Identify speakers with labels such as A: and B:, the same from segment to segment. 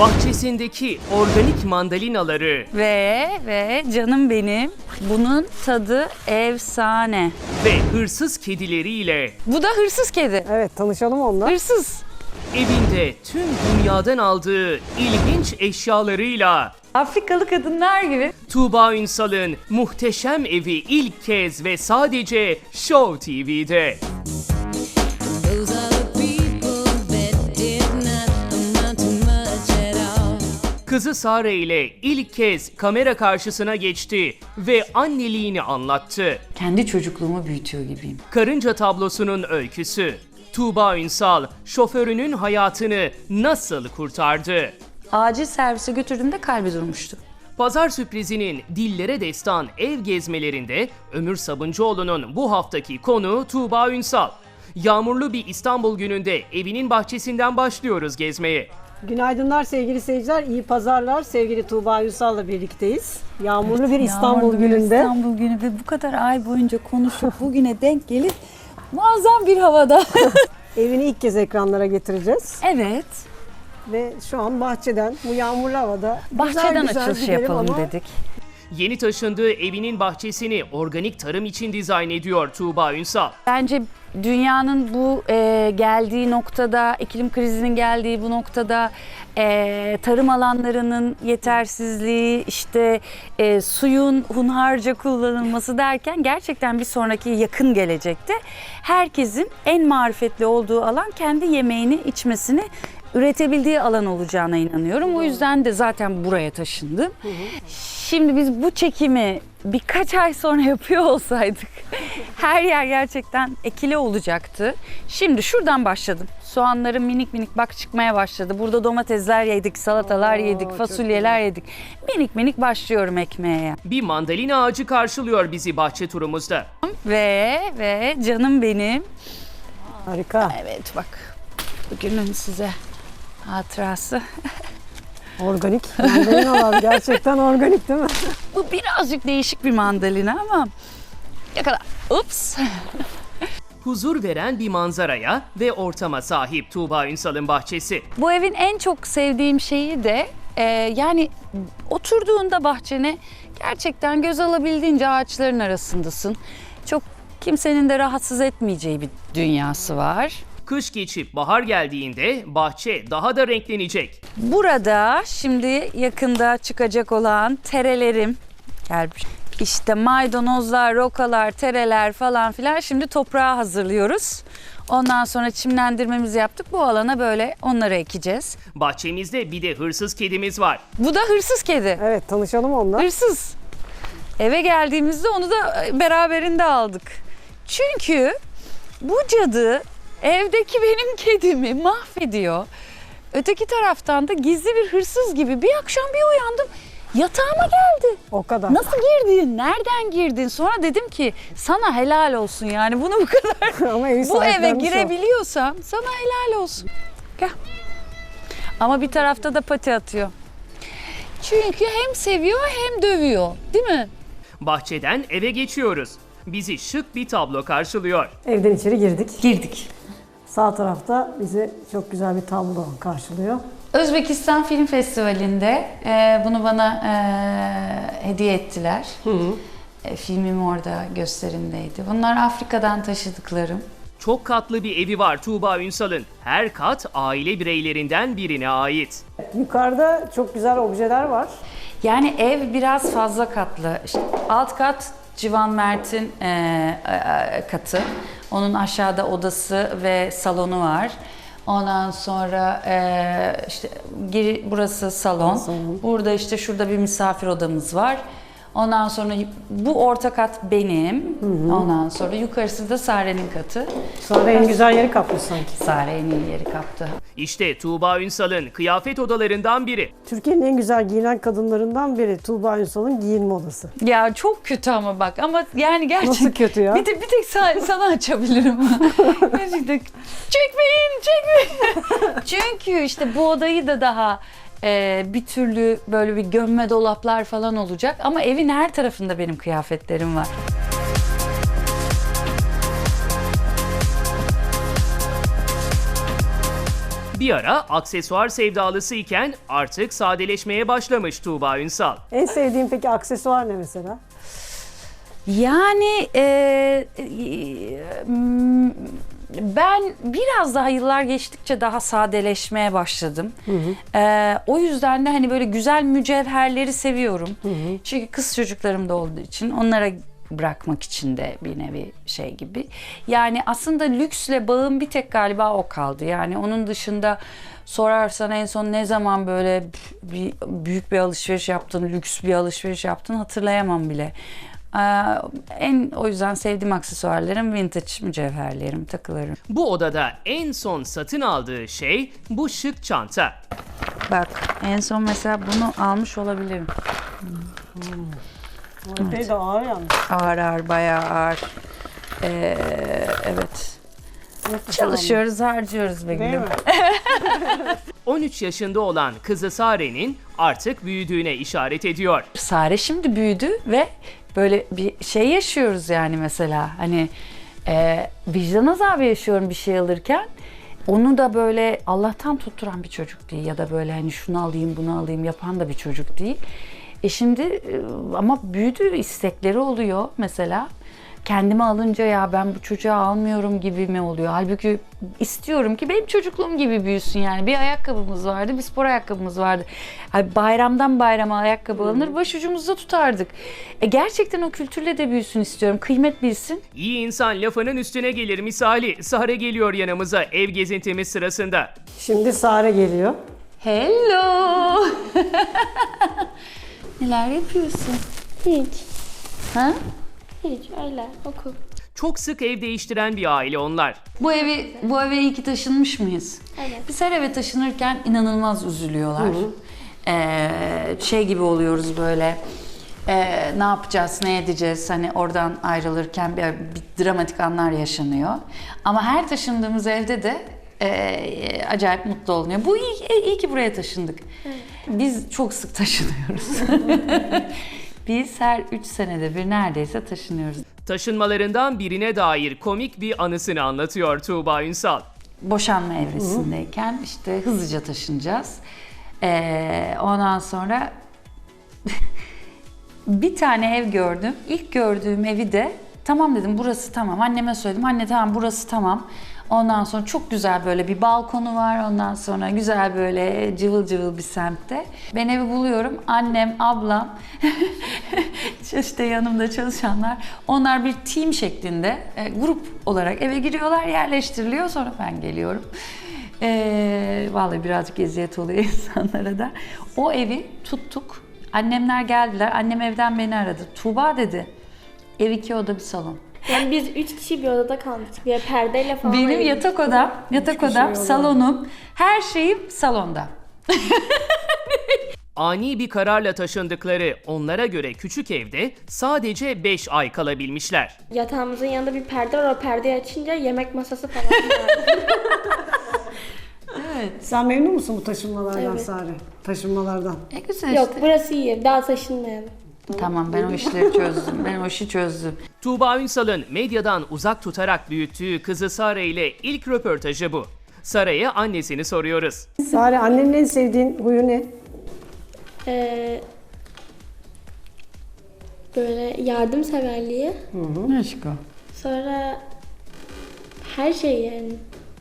A: Bahçesindeki organik mandalinaları
B: Ve canım benim, bunun tadı efsane.
A: ve hırsız kedileriyle
B: Bu da hırsız kedi.
C: Evet, tanışalım onunla.
B: Hırsız.
A: evinde tüm dünyadan aldığı ilginç eşyalarıyla
B: Afrikalı kadınlar gibi.
A: Tuğba Ünsal'ın muhteşem evi ilk kez ve sadece Show TV'de.
D: Those are the people that did not amount to much at all.
A: Kızı Sare ile ilk kez kamera karşısına geçti ve anneliğini anlattı.
B: Kendi çocukluğumu büyütüyor gibiyim.
A: Karınca tablosunun öyküsü. Tuğba Ünsal, şoförünün hayatını nasıl kurtardı?
B: Acil servise götürdüğümde kalbi durmuştu.
A: Pazar sürprizinin dillere destan ev gezmelerinde Ömür Sabuncuoğlu'nun bu haftaki konuğu Tuğba Ünsal. Yağmurlu bir İstanbul gününde evinin bahçesinden başlıyoruz gezmeye.
C: Günaydınlar sevgili seyirciler, iyi pazarlar. Sevgili Tuğba Ünsal'la birlikteyiz. Yağmurlu bir İstanbul
B: Yağmurlu bir
C: gününde.
B: İstanbul günü ve bu kadar ay boyunca konuşup bugüne denk gelip muazzam bir havada.
C: Evini ilk kez ekranlara getireceğiz.
B: Evet.
C: Ve şu an bahçeden, bu yağmurlu havada
B: Bahçeden
C: güzel
B: açılış
C: gidelim
B: yapalım
C: ama
B: dedik.
A: Yeni taşındığı evinin bahçesini organik tarım için dizayn ediyor Tuğba Ünsal.
B: Bence dünyanın bu geldiği noktada, iklim krizinin geldiği bu noktada tarım alanlarının yetersizliği, işte suyun hunharca kullanılması derken gerçekten bir sonraki yakın gelecekte herkesin en marifetli olduğu alan kendi yemeğini, içmesini üretebildiği alan olacağına inanıyorum. O yüzden de zaten buraya taşındım. Şimdi biz bu çekimi birkaç ay sonra yapıyor olsaydık her yer gerçekten ekili olacaktı. Şimdi şuradan başladım. Soğanlarım minik minik bak çıkmaya başladı. Burada domatesler yedik, salatalar yedik,
C: çok
B: fasulyeler yedik. Minik minik başlıyorum ekmeğe.
A: Bir mandalina ağacı karşılıyor bizi bahçe turumuzda.
B: Ve canım benim.
C: harika.
B: Evet bak bugünün size hatırası.
C: Organik mandalinalar gerçekten organik değil mi?
B: Bu birazcık değişik bir mandalina ama yakala. Ups.
A: Huzur veren bir manzaraya ve ortama sahip Tuğba Ünsal'ın bahçesi.
B: Bu evin en çok sevdiğim şeyi de yani oturduğunda bahçene gerçekten göz alabildiğince ağaçların arasındasın. Çok kimsenin de rahatsız etmeyeceği bir dünyası var.
A: Kış geçip bahar geldiğinde bahçe daha da renklenecek.
B: Burada şimdi yakında çıkacak olan terelerim gelmiş. İşte maydanozlar, rokalar, tereler falan filan şimdi toprağa hazırlıyoruz. Ondan sonra çimlendirmemizi yaptık. Bu alana böyle onları ekeceğiz.
A: Bahçemizde bir de hırsız kedimiz var.
B: Bu da hırsız kedi.
C: Evet, tanışalım onunla.
B: Hırsız. Eve geldiğimizde onu da beraberinde aldık. Çünkü bu cadı evdeki benim kedimi mahvediyor. Öteki taraftan da gizli bir hırsız gibi bir akşam bir uyandım. Yatağıma geldi.
C: O kadar.
B: Nasıl girdin? Nereden girdin? Sonra dedim ki sana helal olsun yani bunu bu kadar
C: Ama evi
B: bu eve
C: sahiplenmiş o.
B: girebiliyorsam sana helal olsun. Gel. Ama bir tarafta da pati atıyor. Çünkü hem seviyor hem dövüyor. Değil mi?
A: Bahçeden eve geçiyoruz. Bizi şık bir tablo karşılıyor.
C: Evden içeri girdik.
B: Girdik.
C: Sağ tarafta bizi çok güzel bir tablo karşılıyor.
B: Özbekistan Film Festivali'nde bunu bana hediye ettiler. Filmim orada gösterimdeydi. Bunlar Afrika'dan taşıdıklarım.
A: Çok katlı bir evi var Tuğba Ünsal'ın. Her kat aile bireylerinden birine ait.
C: Yukarıda çok güzel objeler var.
B: Yani ev biraz fazla katlı. İşte alt kat Civan Mert'in katı. Onun aşağıda odası ve salonu var. Ondan sonra işte burası salon. Burada işte şurada bir misafir odamız var. Ondan sonra bu orta kat benim. Ondan sonra yukarısı da Sare'nin katı.
C: Sonra en güzel yeri kapmış sanki.
B: Sare en iyi yeri kaptı.
A: İşte Tuğba Ünsal'ın kıyafet odalarından biri.
C: Türkiye'nin en güzel giyinen kadınlarından biri Tuğba Ünsal'ın giyinme odası.
B: Ya çok kötü ama yani gerçekten.
C: Nasıl kötü ya?
B: Bir tek sana açabilirim. Gerçekten çekmeyin. Çünkü işte bu odayı da daha bir türlü böyle bir gömme dolaplar falan olacak. Ama evin her tarafında benim kıyafetlerim var.
A: Bir ara aksesuar sevdalısı iken artık sadeleşmeye başlamış Tuğba Ünsal.
C: En sevdiğin peki aksesuar ne mesela?
B: Yani ben biraz daha yıllar geçtikçe daha sadeleşmeye başladım. O yüzden de hani böyle güzel mücevherleri seviyorum. Çünkü kız çocuklarım da olduğu için onlara bırakmak için de bir nevi şey gibi. Yani aslında lüksle bağım bir tek galiba o kaldı. Yani onun dışında sorarsan en son ne zaman böyle büyük bir alışveriş yaptın, lüks bir alışveriş yaptın hatırlayamam bile. O yüzden sevdiğim aksesuarlarım vintage mücevherlerim, takılarım.
A: Bu odada en son satın aldığı şey bu şık çanta.
B: Bak en son mesela bunu almış olabilirim.
C: Epey de ağır yalnız.
B: Ağır bayağı ağır. Evet. Çalışıyoruz, harcıyoruz be
C: Değil
B: gülüm.
C: mi?
A: 13 yaşında olan kızı Sare'nin artık büyüdüğüne işaret ediyor.
B: Sare şimdi büyüdü ve böyle bir şey yaşıyoruz yani mesela. Hani vicdan azabı yaşıyorum bir şey alırken. Onu da böyle Allah'tan tutturan bir çocuk değil ya da böyle hani şunu alayım bunu alayım yapan da bir çocuk değil. Şimdi ama büyüdü, istekleri oluyor mesela. Kendime alınca ya ben bu çocuğa almıyorum gibi mi oluyor? Halbuki istiyorum ki benim çocukluğum gibi büyüsün yani. Bir ayakkabımız vardı, bir spor ayakkabımız vardı. Bayramdan bayrama ayakkabı alınır, başucumuzda tutardık. Gerçekten o kültürle de büyüsün istiyorum, kıymet bilsin.
A: İyi insan lafının üstüne gelir misali. Sare geliyor yanımıza ev gezintimiz sırasında.
C: Şimdi Sare geliyor.
B: Hello! Neler yapıyorsun?
E: Hiç.
B: Ha?
E: Hiç öyle okul.
A: Çok sık ev değiştiren bir aile onlar.
B: Bu eve iyi ki taşınmış mıyız?
E: Evet.
B: Biz her eve taşınırken inanılmaz üzülüyorlar. Şey gibi oluyoruz böyle. Ne yapacağız, ne edeceğiz? Hani oradan ayrılırken bir dramatik anlar yaşanıyor. Ama her taşındığımız evde de acayip mutlu olunuyor. Bu iyi ki buraya taşındık. Biz çok sık taşınıyoruz. Biz her 3 senede bir neredeyse taşınıyoruz.
A: Taşınmalarından birine dair komik bir anısını anlatıyor Tuğba Ünsal.
B: Boşanma evresindeyken işte hızlıca taşınacağız. Ondan sonra bir tane ev gördüm. İlk gördüğüm evi de tamam dedim burası tamam. Anneme söyledim. Anne tamam burası tamam. Ondan sonra çok güzel böyle bir balkonu var. Ondan sonra güzel böyle cıvıl cıvıl bir semtte. Ben evi buluyorum. Annem, ablam, işte yanımda çalışanlar. Onlar bir team şeklinde grup olarak eve giriyorlar, yerleştiriliyor. Sonra ben geliyorum. Vallahi birazcık eziyet oluyor insanlara da. O evi tuttuk. Annemler geldiler. Annem evden beni aradı. Tuğba dedi. Ev 2 oda bir salon.
E: Yani biz 3 kişi bir odada kalmıştık. Bir perdeyle falan.
B: Benim
E: ayırmıştık.
B: yatak odam, salonum, her şeyim salonda.
A: Ani bir kararla taşındıkları onlara göre küçük evde sadece 5 ay kalabilmişler.
E: Yatağımızın yanında bir perde var. O perdeyi açınca yemek masası falan var.
C: Sen memnun musun bu taşınmalardan
E: Evet.
C: Sare? Taşınmalardan.
B: Güzel
E: Yok burası iyi. Daha taşınmayalım.
B: Tamam ben o işleri çözdüm. Ben o işi çözdüm.
A: Tuğba Ünsal'ın medyadan uzak tutarak büyüttüğü kızı Sare ile ilk röportajı bu. Sare'ye annesini soruyoruz.
C: Sare annenin en sevdiğin huyu ne?
E: Böyle yardımseverliği.
B: Aşk o.
E: Sonra her şey yani.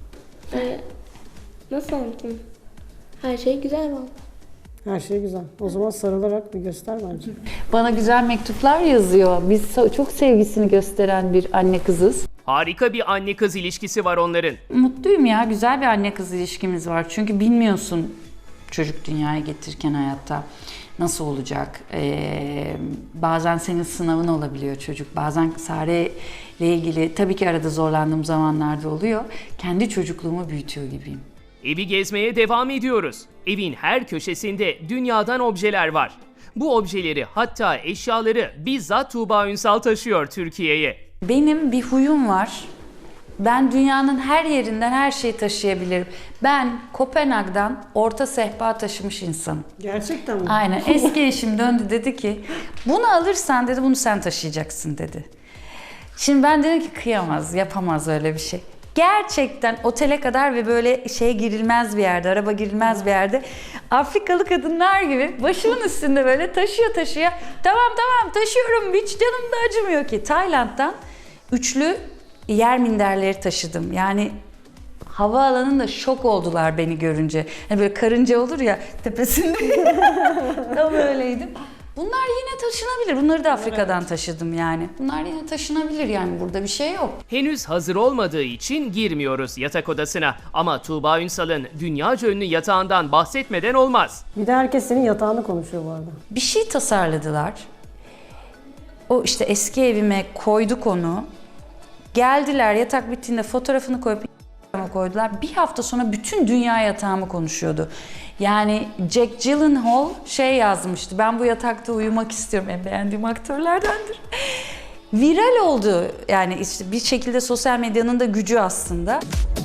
E: Nasıl anlatayım? Her şey güzel valla.
C: Her şey güzel. O zaman sarılarak bir göster bence.
B: Bana güzel mektuplar yazıyor. Biz çok sevgisini gösteren bir anne kızız.
A: Harika bir anne kız ilişkisi var onların.
B: Mutluyum ya. Güzel bir anne kız ilişkimiz var. Çünkü bilmiyorsun çocuk dünyaya getirirken hayatta nasıl olacak. Bazen senin sınavın olabiliyor çocuk. Bazen Sare ile ilgili tabii ki arada zorlandığım zamanlarda oluyor. Kendi çocukluğumu büyütüyor gibiyim.
A: Evi gezmeye devam ediyoruz. Evin her köşesinde dünyadan objeler var. Bu objeleri hatta eşyaları bizzat Tuğba Ünsal taşıyor Türkiye'ye.
B: Benim bir huyum var. Ben dünyanın her yerinden her şeyi taşıyabilirim. Ben Kopenhag'dan orta sehpa taşımış insanım.
C: Gerçekten mi?
B: Aynen. Eski eşim döndü dedi ki bunu alırsan dedi bunu sen taşıyacaksın dedi. Şimdi ben dedim ki kıyamaz, yapamaz öyle bir şey. Gerçekten otele kadar ve böyle şey girilmez bir yerde, araba girilmez bir yerde. Afrikalı kadınlar gibi başımın üstünde böyle taşıyor. Tamam taşıyorum, hiç canım da acımıyor ki. Tayland'dan üçlü yer minderleri taşıdım. Yani havaalanında şok oldular beni görünce. Hani böyle karınca olur ya tepesinde. Tam öyleydim. Bunlar yine taşınabilir. Bunları da Afrika'dan taşıdım yani. Bunlar yine taşınabilir yani. Burada bir şey yok.
A: Henüz hazır olmadığı için girmiyoruz yatak odasına. Ama Tuğba Ünsal'ın dünyaca ünlü yatağından bahsetmeden olmaz.
C: Bir de herkes senin yatağını konuşuyor bu arada.
B: Bir şey tasarladılar. O işte eski evime koyduk onu. Geldiler yatak bittiğinde fotoğrafını koyup koydular. Bir hafta sonra bütün dünya yatağımı konuşuyordu. Yani Jack Gyllenhaal şey yazmıştı. Ben bu yatakta uyumak istiyorum. En beğendiğim aktörlerdendir. Viral oldu. Yani işte bir şekilde sosyal medyanın da gücü aslında.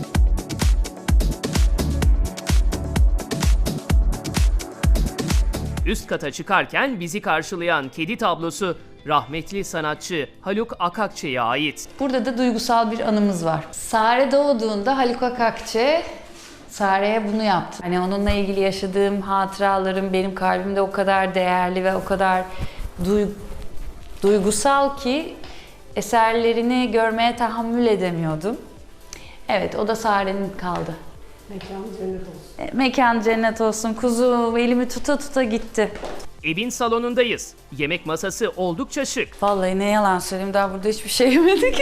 A: Üst kata çıkarken bizi karşılayan kedi tablosu rahmetli sanatçı Haluk Akakçe'ye ait.
B: Burada da duygusal bir anımız var. Sare doğduğunda Haluk Akakçe Sare'ye bunu yaptı. Hani onunla ilgili yaşadığım hatıralarım benim kalbimde o kadar değerli ve o kadar duygusal ki eserlerini görmeye tahammül edemiyordum. Evet, o da Sare'nin kaldı.
C: Mekanı cennet olsun.
B: Mekan cennet olsun kuzum. Elimi tuta tuta gitti.
A: Evin salonundayız. Yemek masası oldukça şık.
B: Vallahi ne yalan söyleyeyim, daha burada hiçbir şey yemedik.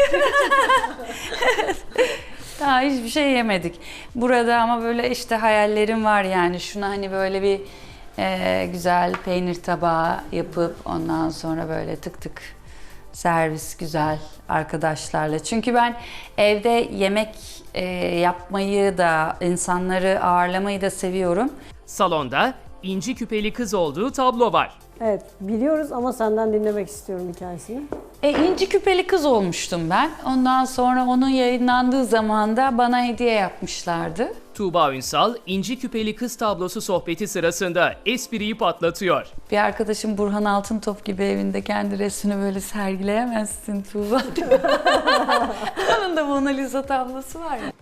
B: Daha hiçbir şey yemedik. Burada ama böyle işte hayallerim var yani. Şuna hani böyle bir güzel peynir tabağı yapıp ondan sonra böyle tık tık servis güzel arkadaşlarla. Çünkü ben evde yemek yapmayı da, insanları ağırlamayı da seviyorum.
A: Salonda inci küpeli kız olduğu tablo var.
C: Evet, biliyoruz ama senden dinlemek istiyorum hikayesini.
B: İnci küpeli kız olmuştum ben. Ondan sonra onun yayınlandığı zaman da bana hediye yapmışlardı.
A: Tuğba Ünsal, inci küpeli kız tablosu sohbeti sırasında espriyi patlatıyor.
B: Bir arkadaşım Burhan Altıntop gibi evinde kendi resmini böyle sergileyemezsin Tuğba. Onun da Mona Lisa tablosu var ya.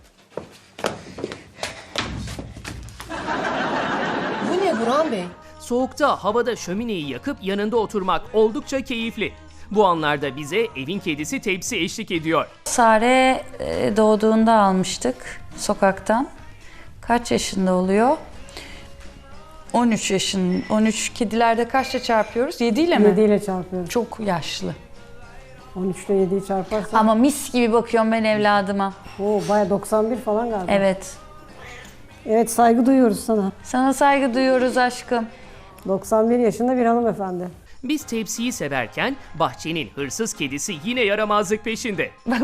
F: Bu ne Burhan Bey?
A: Soğukta havada şömineyi yakıp yanında oturmak oldukça keyifli. Bu anlarda bize evin kedisi Tepsi eşlik ediyor.
B: Sare doğduğunda almıştık sokaktan. Kaç yaşında oluyor? 13 yaşın. 13 kedilerde kaçla çarpıyoruz? 7 ile mi?
C: 7 ile çarpıyorum.
B: Çok yaşlı.
C: 13 ile 7'yi çarparsan.
B: Ama mis gibi bakıyorum ben evladıma.
C: Baya 91 falan galiba.
B: Evet.
C: Evet, saygı duyuyoruz sana.
B: Sana saygı duyuyoruz aşkım.
C: 91 yaşında bir hanımefendi.
A: Biz Tepsi'yi severken bahçenin hırsız kedisi yine yaramazlık peşinde.
B: Bak.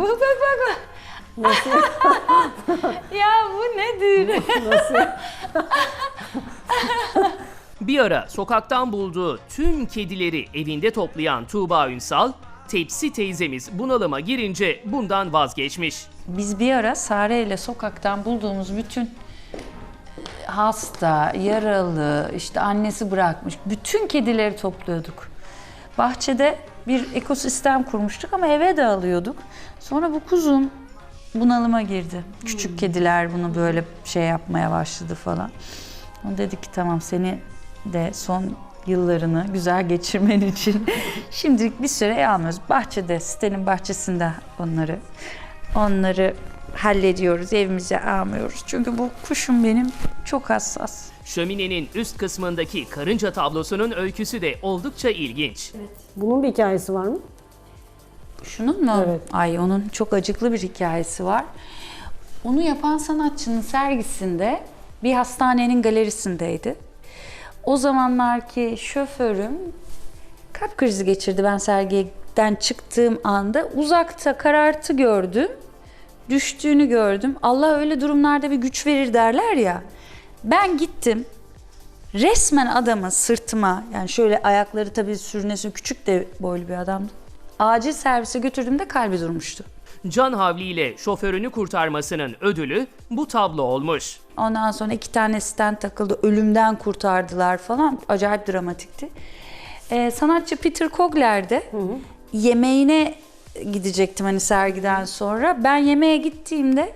B: Ya bu nedir?
A: Bir ara sokaktan bulduğu tüm kedileri evinde toplayan Tuğba Ünsal, Tepsi teyzemiz bunalıma girince bundan vazgeçmiş.
B: Biz bir ara Sare ile sokaktan bulduğumuz bütün hasta, yaralı, işte annesi bırakmış bütün kedileri topluyorduk. Bahçede bir ekosistem kurmuştuk ama eve de alıyorduk. Sonra bu kuzum bunalıma girdi. Küçük kediler bunu böyle şey yapmaya başladı falan. O dedik ki tamam, seni de son yıllarını güzel geçirmen için şimdilik bir süre almıyoruz. Bahçede, sitenin bahçesinde onları hallediyoruz, evimize almıyoruz. Çünkü bu kuşum benim çok hassas.
A: Şöminenin üst kısmındaki karınca tablosunun öyküsü de oldukça ilginç.
C: Bunun bir hikayesi var mı?
B: Şunun mu?
C: Evet.
B: Ay, onun çok acıklı bir hikayesi var. Onu yapan sanatçının sergisinde bir hastanenin galerisindeydi. O zamanlarki şoförüm kalp krizi geçirdi. Ben sergiden çıktığım anda uzakta karartı gördüm. Düştüğünü gördüm. Allah öyle durumlarda bir güç verir derler ya. Ben gittim. Resmen adamı sırtıma, yani şöyle ayakları tabii sürünesin, küçük de boylu bir adamdı. Acil servise götürdüğümde kalbi durmuştu.
A: Can havliyle şoförünü kurtarmasının ödülü bu tablo olmuş.
B: Ondan sonra 2 tane stent takıldı, ölümden kurtardılar falan. Acayip dramatikti. Sanatçı Peter Kogler de yemeğine gidecektim hani sergiden sonra. Ben yemeğe gittiğimde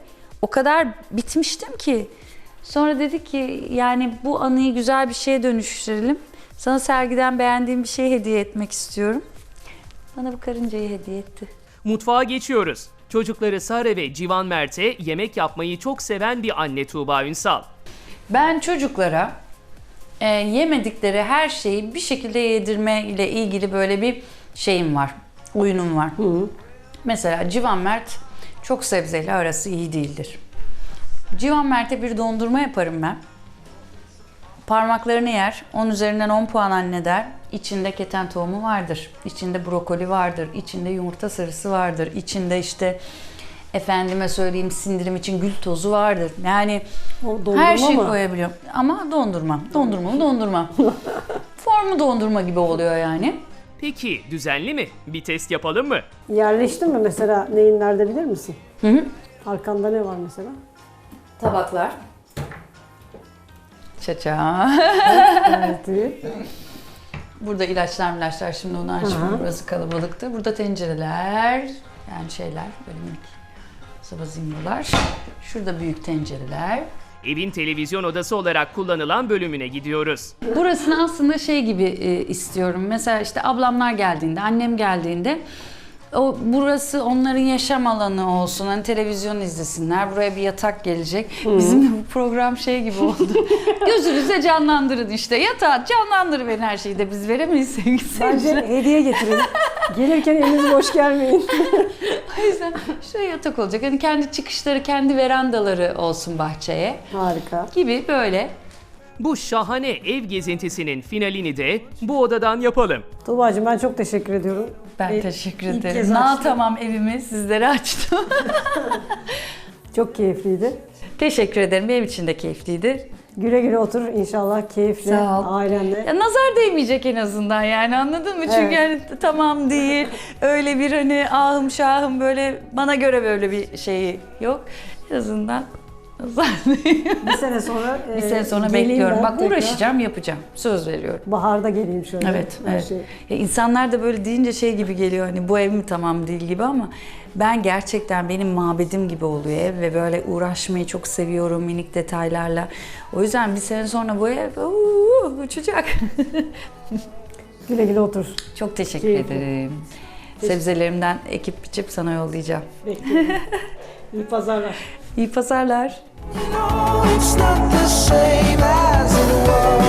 B: o kadar bitmiştim ki. Sonra dedik ki yani bu anıyı güzel bir şeye dönüştürelim. Sana sergiden beğendiğim bir şey hediye etmek istiyorum. Bana bu karıncayı hediye etti.
A: Mutfağa geçiyoruz. Çocukları Sare ve Civan Mert'e yemek yapmayı çok seven bir anne Tuğba Ünsal.
B: Ben çocuklara yemedikleri her şeyi bir şekilde yedirme ile ilgili böyle bir şeyim var, oyunum var. Mesela Civan Mert çok sebzeyle arası iyi değildir. Civan Mert'e bir dondurma yaparım ben. Parmaklarını yer, 10 üzerinden 10 puan anne der. İçinde keten tohumu vardır, içinde brokoli vardır, içinde yumurta sarısı vardır, içinde işte efendime söyleyeyim sindirim için gül tozu vardır. Yani
C: O dondurma
B: her şeyi
C: mı?
B: koyabiliyorum. Ama dondurma. Dondurmalı dondurma. Formu dondurma gibi oluyor yani.
A: Peki düzenli mi? Bir test yapalım mı?
C: Yerleştin mi mesela neyin nerede bilir misin?
B: Hı.
C: Arkanda ne var mesela?
B: Tabaklar. Çaça.
C: Evet.
B: Burada ilaçlar şimdi onu açmıyorum. Burası kalabalıktı. Burada tencereler. Yani şeyler böyle minik zımbırlar. Şurada büyük tencereler.
A: Evin televizyon odası olarak kullanılan bölümüne gidiyoruz.
B: Burasını aslında şey gibi istiyorum. Mesela işte ablamlar geldiğinde, annem geldiğinde burası onların yaşam alanı olsun. Hani televizyon izlesinler. Buraya bir yatak gelecek. Bizim de bu program şey gibi oldu. Gözünüzde canlandırın işte. Yatağı canlandırın her şeyi de biz veremeyiz sevgili
C: Bence
B: seyirciler.
C: hediye getirin. Gelirken eliniz boş gelmeyin.
B: O yüzden şöyle yatak olacak. Hani kendi çıkışları, kendi verandaları olsun bahçeye
C: Harika.
B: gibi böyle.
A: Bu şahane ev gezintisinin finalini de bu odadan yapalım.
C: Tuğba'cığım ben çok teşekkür ediyorum.
B: Ben teşekkür
C: İlk
B: ederim.
C: kez açtım.
B: Tamam evimi sizlere açtım.
C: Çok keyifliydi.
B: Teşekkür ederim. Benim için de keyifliydi.
C: Güle güle otur inşallah keyifle
B: Sağ ol.
C: ailenle.
B: Ya nazar değmeyecek en azından yani anladın mı? Çünkü
C: Evet.
B: yani tamam değil. Öyle bir hani ahım şahım böyle bana göre böyle bir şeyi yok. En azından nazar değil.
C: Bir sene sonra
B: Bir sene sonra
C: geleyim
B: bekliyorum.
C: ben
B: Bak
C: tekrar.
B: uğraşacağım, yapacağım. Söz veriyorum.
C: Baharda geleyim şöyle.
B: Evet,
C: her
B: evet.
C: şey.
B: Ya insanlar da böyle deyince şey gibi geliyor hani bu ev mi tamam değil gibi ama ben gerçekten benim mabedim gibi oluyor ev ve böyle uğraşmayı çok seviyorum minik detaylarla. O yüzden bir sene sonra bu ev uçacak.
C: Güle güle otur.
B: Çok teşekkür
C: Keyifli.
B: ederim. Sebzelerimden ekip biçip sana yollayacağım.
C: Bekliyorum. İyi pazarlar.
B: İyi pazarlar.
F: No, it's not the same as it was.